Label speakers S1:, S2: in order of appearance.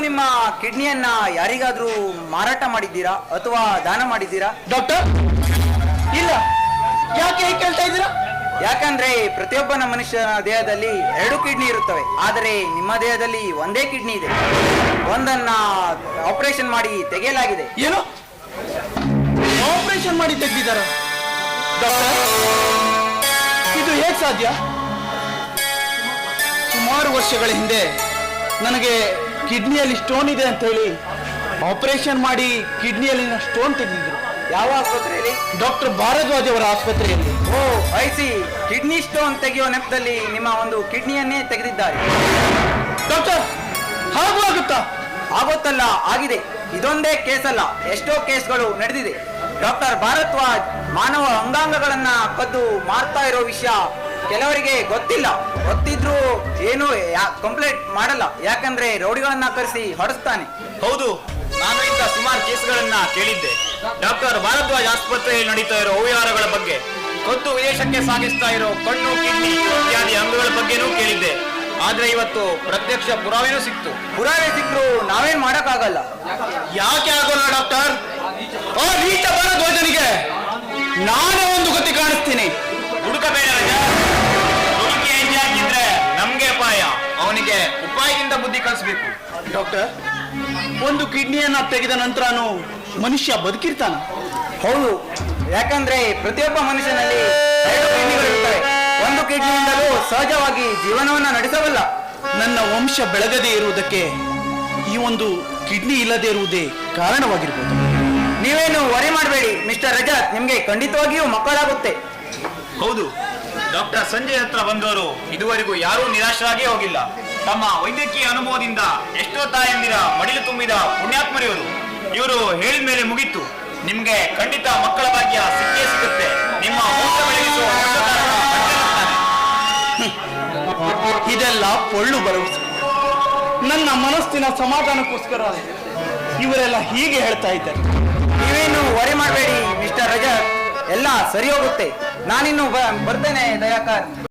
S1: ನಿಮ್ಮ ಕಿಡ್ನಿಯನ್ನ ಯಾರಿಗಾದ್ರೂ ಮಾರಾಟ ಮಾಡಿದ್ದೀರಾ ಅಥವಾ ದಾನ ಮಾಡಿದ್ದೀರಾ?
S2: ಡಾಕ್ಟರ್, ಇಲ್ಲ. ಯಾಕೆ ಹೀಗೆ ಕೇಳ್ತಾ ಇದ್ದೀರಾ?
S1: ಯಾಕಂದ್ರೆ ಪ್ರತಿಯೊಬ್ಬನ ಮನುಷ್ಯನ ದೇಹದಲ್ಲಿ 2 ಕಿಡ್ನಿ ಇರುತ್ತವೆ, ಆದರೆ ನಿಮ್ಮ ದೇಹದಲ್ಲಿ ಒಂದೇ ಕಿಡ್ನಿ ಇದೆ. ಒಂದನ್ನ ಆಪರೇಷನ್ ಮಾಡಿ ತೆಗೆಯಲಾಗಿದೆ.
S2: ಏನು, ಆಪರೇಷನ್ ಮಾಡಿ ತೆಗೆದಿದ್ದಾರ? ಡಾಕ್ಟರ್, ಇದು ಹೇಗೆ ಸಾಧ್ಯ? ಸುಮಾರು ವರ್ಷಗಳ ಹಿಂದೆ ನನಗೆ ಕಿಡ್ನಿಯಲ್ಲಿ ಸ್ಟೋನ್ ಇದೆ ಅಂತ ಹೇಳಿ ಆಪರೇಷನ್ ಮಾಡಿ ಕಿಡ್ನಿಯಲ್ಲಿನ ಸ್ಟೋನ್ ತೆಗೆದಿದ್ರು.
S1: ಯಾವ ಆಸ್ಪತ್ರೆಯಲ್ಲಿ?
S2: ಡಾಕ್ಟರ್ ಭಾರದ್ವಾಜ್ ಅವರ ಆಸ್ಪತ್ರೆಯಲ್ಲಿ.
S1: ಓ ಐಸಿ, ಕಿಡ್ನಿ ಸ್ಟೋನ್ ತೆಗೆಯುವ ನೆಪದಲ್ಲಿ ನಿಮ್ಮ ಒಂದು ಕಿಡ್ನಿಯನ್ನೇ ತೆಗೆದಿದ್ದಾರೆ.
S2: ಡಾಕ್ಟರ್, ಹಾಗೂ ಆಗುತ್ತಾ?
S1: ಆಗುತ್ತಲ್ಲ, ಆಗಿದೆ. ಇದೊಂದೇ ಕೇಸ್ ಅಲ್ಲ, ಎಷ್ಟೋ ಕೇಸ್ಗಳು ನಡೆದಿದೆ. ಡಾಕ್ಟರ್ ಭಾರದ್ವಾಜ್ ಮಾನವ ಅಂಗಾಂಗಗಳನ್ನ ಕದ್ದು ಮಾರ್ತಾ ಇರೋ ವಿಷಯ ಕೆಲವರಿಗೆ ಗೊತ್ತಿಲ್ಲ. ಗೊತ್ತಿದ್ರು ಏನು ಕಂಪ್ಲೇಂಟ್ ಮಾಡಲ್ಲ, ಯಾಕಂದ್ರೆ ರೌಡಿಗಳನ್ನ ಕರೆಸಿ ಹೊಡೆಸ್ತಾನೆ.
S3: ಹೌದು, ನಾನು ಇಂಥ ಸುಮಾರು ಕೇಸ್ಗಳನ್ನ ಕೇಳಿದ್ದೆ. ಡಾಕ್ಟರ್ ಭಾರದ್ವಾಜ್ ಆಸ್ಪತ್ರೆಯಲ್ಲಿ ನಡೀತಾ ಇರೋ ಅವ್ಯವಹಾರಗಳ ಬಗ್ಗೆ, ಕದ್ದು ವಿದೇಶಕ್ಕೆ ಸಾಗಿಸ್ತಾ ಇರೋ ಕಣ್ಣು, ಕಿಡ್ನಿ ಇತ್ಯಾದಿ ಅಂಗಗಳ ಬಗ್ಗೆನೂ ಕೇಳಿದ್ದೆ. ಆದ್ರೆ ಇವತ್ತು ಪ್ರತ್ಯಕ್ಷ ಪುರಾವೆನೂ ಸಿಕ್ತು.
S1: ಪುರಾವೆ ಸಿಕ್ಕರು ನಾವೇನ್ ಮಾಡಕ್ಕಾಗಲ್ಲ.
S2: ಯಾಕೆ ಆಗೋಲ್ಲ ಡಾಕ್ಟರ್? ಆ ನೀಚ ಭಾರದ್ವಾಜನಿಗೆ ನಾನೇ ಒಂದು ಗತಿ ಕಾಣಿಸ್ತೀನಿ.
S3: ಹುಡುಕಬೇಡ ರಜ, ಹುಡುಕಿ ಹೆಚ್ಚಾಗಿದ್ರೆ ನಮ್ಗೆ ಅಪಾಯ. ಅವನಿಗೆ ಉಪಾಯದಿಂದ ಬುದ್ಧಿ ಕಲಿಸ್ಬೇಕು.
S2: ಡಾಕ್ಟರ್, ಒಂದು ಕಿಡ್ನಿಯನ್ನ ತೆಗೆದ ನಂತರನೂ ಮನುಷ್ಯ ಬದುಕಿರ್ತಾನ?
S1: ಹೌದು, ಯಾಕಂದ್ರೆ ಪ್ರತಿಯೊಬ್ಬ ಮನುಷ್ಯನಲ್ಲಿ 2 ಕಿಡ್ನಿಗಳಿರುತ್ತವೆ. ಒಂದು ಕಿಡ್ನಿಯಿಂದಲೂ ಸಹಜವಾಗಿ ಜೀವನವನ್ನ ನಡೆಸಬಲ್ಲ.
S2: ನನ್ನ ವಂಶ ಬೆಳಗದೇ ಇರುವುದಕ್ಕೆ ಈ ಒಂದು ಕಿಡ್ನಿ ಇಲ್ಲದೆ ಇರುವುದೇ ಕಾರಣವಾಗಿರ್ಬೋದು.
S1: ನೀವೇನು ವರಿ ಮಾಡಬೇಡಿ ಮಿಸ್ಟರ್ ರಜತ್, ನಿಮ್ಗೆ ಖಂಡಿತವಾಗಿಯೂ ಮಕ್ಕಳಾಗುತ್ತೆ.
S3: ಹೌದು, ಡಾಕ್ಟರ್ ಸಂಜಯ್ ಹತ್ರ ಬಂದವರು ಇದುವರೆಗೂ ಯಾರೂ ನಿರಾಶರಾಗೇ ಹೋಗಿಲ್ಲ. ತಮ್ಮ ವೈದ್ಯಕೀಯ ಅನುಭವದಿಂದ ಎಷ್ಟೋ ತಾಯಂದಿರ ಮಡಿಲು ತುಂಬಿದ ಪುಣ್ಯಾತ್ಮರಿವರು. ಇವರು ಹೇಳಿದ ಮೇಲೆ ಮುಗೀತು, ನಿಮ್ಗೆ ಖಂಡಿತ ಮಕ್ಕಳ ಭಾಗ್ಯ ಸಿಕ್ಕೇ ಸಿಗುತ್ತೆ. ನಿಮ್ಮ ವಂಶ ಬೆಳಗಿಸುವ
S2: ಇದೆಲ್ಲ ಪೊಳ್ಳು ಭರವಸೆ. ನನ್ನ ಮನಸ್ಸಿನ ಸಮಾಧಾನಕ್ಕೋಸ್ಕರ ಇವರೆಲ್ಲ ಹೀಗೆ ಹೇಳ್ತಾ ಇದ್ದಾರೆ.
S1: ನೀವೇನು ವರಿ ಮಾಡಬೇಡಿ ಮಿಸ್ಟರ್ ರಜತ್, ಎಲ್ಲ ಸರಿ ಹೋಗುತ್ತೆ. ನಾನಿನ್ನು ಬರ್ತೇನೆ ದಯಾಕರ್.